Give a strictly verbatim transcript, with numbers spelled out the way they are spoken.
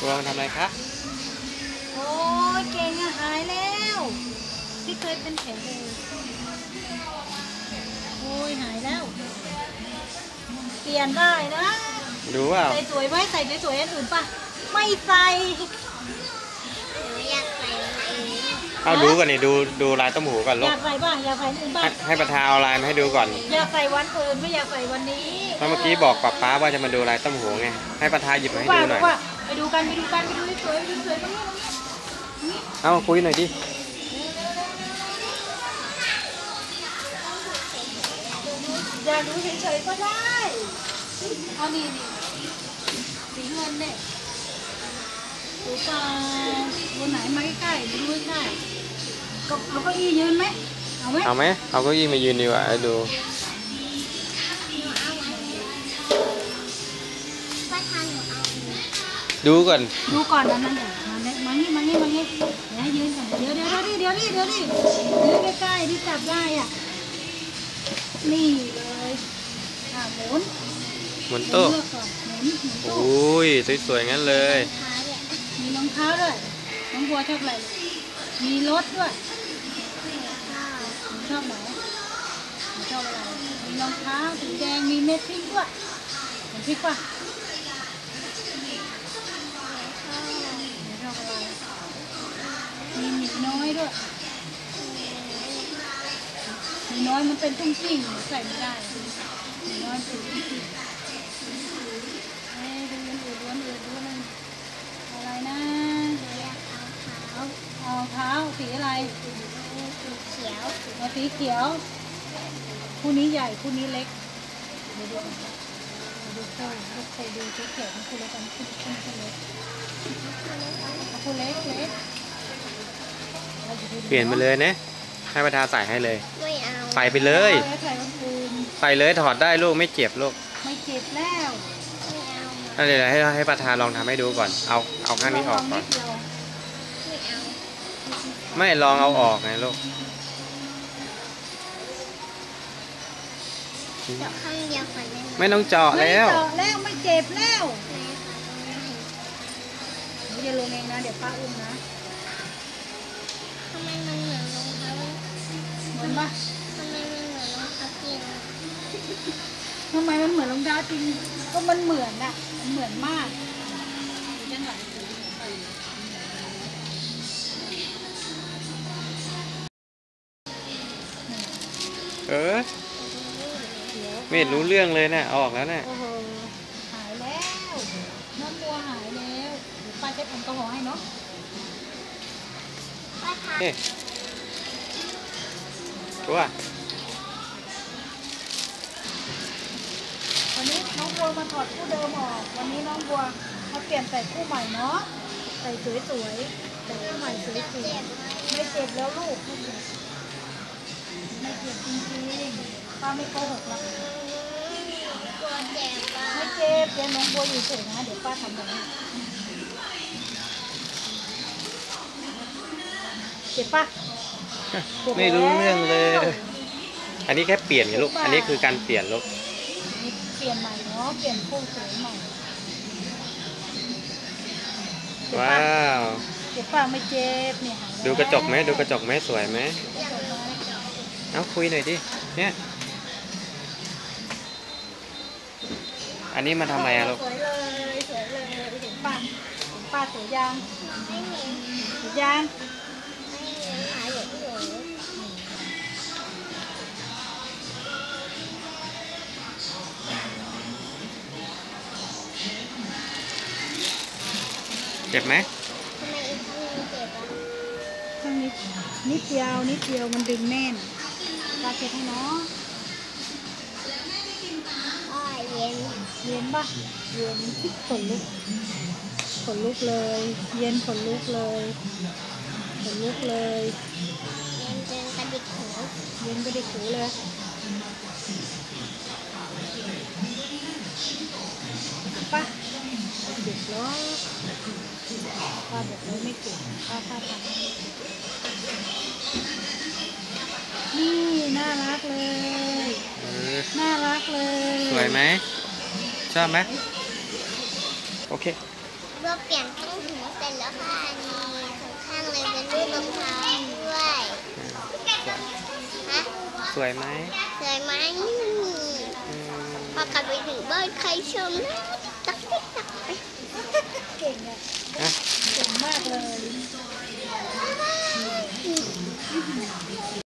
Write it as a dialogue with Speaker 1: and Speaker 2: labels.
Speaker 1: ตัวมันทำอะไรคะ
Speaker 2: โอ้ยเก่งอะหายแล้วที่เคยเป็นแผลเลยโอ้ยหายแล้วเปลี่ยนได้นะ
Speaker 1: ดูว่า
Speaker 2: ใส่สวยไหมใส่สวยๆอันอื่นป่ะไม่ใส่
Speaker 3: อยากใส่อันนี้
Speaker 1: เอาดูก่อนนี่ดูดูลายต้มหูก่อนลูก
Speaker 2: อยากใส่ป่ะอยากใส่อื่นป่ะ
Speaker 1: ให้ประธานเอาลายมาให้ดูก่อน
Speaker 2: อยากใส่วันอื่นไม่อยากใส่วันนี้
Speaker 1: เมื่อกี้บอกป๊าป๊าว่าจะมาดูลายต้มหูไงให้ประธานหยิบมาให้ดูหน่อย
Speaker 2: ไปดูกันไปดูกันไปดูสวยไปดูสวยตรงนี้ตรงนี้
Speaker 1: เอาคุยหน่อยดิ
Speaker 2: อยากดูเฉยๆก็ได้เอานี่นี่สีเงินเนี่ยดูปลาบนไหนมาใกล้ๆดูใกล้ๆก็เอาเก้าอี้ยืนไหมเอาไหม
Speaker 1: เอาไหมเอาเก้าอี้มายืนดีกว่าดูดูก่อน
Speaker 2: ดูก่อนนะนั่นเดี๋ยวมาเนี่ยมานี่มานี่มานี่เดี๋ยวให้ยืนก่อนเดี๋ยวเดี๋ยวเดี๋ยวนี่เดี๋ยวนี่เดี๋ยวนี่ยืนใกล้ๆที่จับได้อ่ะนี่เลยอ่ะหมุน
Speaker 1: หมุนโต๊ะโอ้ยสวยๆงั้นเลย
Speaker 2: มีรองเท้าด้วยน้องบัวชอบอะไรมีรถด้วยชอบไหนชอบอะไรมีรองเท้าสีแดงมีเม็ดพริกด้วยเห็นพริกป่ะชอบอะไรมีหมีน้อยด้วยหมีน้อยมันเป็นตุ้งติ้งใส่ไม่ได้หมีน้อยเป็นตุ้งติ้งเอ้ดูมันอืดดูมันอืดดูมันอะไรนะเอาเอาเท้าสีอะไร
Speaker 3: สีเขียว
Speaker 2: เอาสีเขียวคู่นี้ใหญ่คู่นี้เล็กเดี๋ยวดูดูโซ่ดูโซ่ดูชุดแขนคู่เล็กกันคู่คู่เล็กคู่เล็กเล็ก
Speaker 1: เปลี่ยนไปเลยนะให้ประธานใส่ให้เลย
Speaker 3: ไม่เอา
Speaker 1: ใส่ไปเลยใส่เลยถอดได้ลูกไม่เจ็บลูก
Speaker 2: ไม่เจ็บแล้ว
Speaker 1: นั่นเลยให้ให้ประธานลองทำให้ดูก่อนเอาเอาข้างนี้ออกก่อนไม่ลองเอาออกไงลูก
Speaker 3: เจาะข้างเดียวก่อนได้ไหม
Speaker 1: ไม่ต้องเจาะแล้ว
Speaker 2: ไม่เจาะแล้วไม่เจ็บแล้วอย่าลงเองนะเดี๋ยวป้าอุ้มนะ
Speaker 3: ทำไมมันเหมือนรองเท้า
Speaker 2: เหมือนปะ
Speaker 3: ทำไมมันเหมือนรองเท้าจริง
Speaker 2: ทำไมมันเหมือนรองเท้าจริงก็มันเหมือนอะมันเหมือนมาก
Speaker 1: เออไม่เห็นรู้เรื่องเลยนะออกแล้วนะ
Speaker 2: โอ้โหหายแล้วน้ำบัวหายแล้วเดี๋ยวป้าเช็ดแอลกอฮอล์ให้เนาะ
Speaker 1: เฮ้ยตัว
Speaker 2: วันนี้น้องบัวมาถอดคู่เดิมออกวันนี้น้องบัวมาเปลี่ยนใส่คู่ใหม่เนาะใส่สวยๆใส่คู่ใหม่สวยๆไม่เจ็บแล้วลูกไม่เจ็บไม่เจ็บจริงๆป้าไม่โกหกหรอก
Speaker 3: กลัวเจ็บอ่ะ
Speaker 2: ไม่เจ็บเดี๋ยวน้องบัวอยู่เฉยนะเดี๋ยวป้าทำแบบนี้เจ็บปะ
Speaker 1: ไม่รู้เรื่องเลยอันนี้แค่เปลี่ยนไงลูกอันนี้คือการเปลี่ยนลูก
Speaker 2: เปลี่ยนใหม่เนาะเปลี่ยนคู่สวยใหม่
Speaker 1: ว้าว
Speaker 2: เจ็บปะไม่เจ็บเนี่ย
Speaker 1: ดูกระจกไหมดูกระจกไหมสวยไหมเอาคุยหน่อยดิเนี่ยอันนี้มาทำอะไรอะลูก
Speaker 2: สวยเลยสวยเลยเห็นป้าเห็นป้าสวยยาง
Speaker 3: ไม่เห็น
Speaker 2: สวยยาง
Speaker 3: ไม่เห็นหาอย่างอื่น
Speaker 1: เจ็บไหม
Speaker 3: ทำไมอีกข้างนึงเจ็บอ่ะ
Speaker 2: ข้างนี้นิดเดียวนิดเดียวมันดึงแน่นป้าเช็ดให้เนาะ
Speaker 3: อ้อยเย็น
Speaker 2: เย็นปะเย็นขนลุกขนลุกเลยเย็นขนลุกเลยขนลุกเลย
Speaker 3: เย็นจนกระดิกหู
Speaker 2: เย็นกระดิกหูเลยปะเด็กล้อป้าบอกเลยไม่เก่งป้าป้าทำนี่น่ารักเลยน่ารักเลย
Speaker 1: สวยไหมชอบไหมโอเค
Speaker 3: เราเปลี่ยนข้างหูเสร็จแล้วค่ะอันนี้สองข้างเลยเป็นรูปรองเท้าด้วยฮะ
Speaker 1: สวยไหม
Speaker 3: สวยไหม
Speaker 1: อืม
Speaker 3: พอกลับไปถึงบ้านใครชมนะตักติ๊กตักไป
Speaker 2: เก่งอ่ะ
Speaker 1: อ่ะ
Speaker 2: เก่งมากเลย
Speaker 3: บ๊ายบาย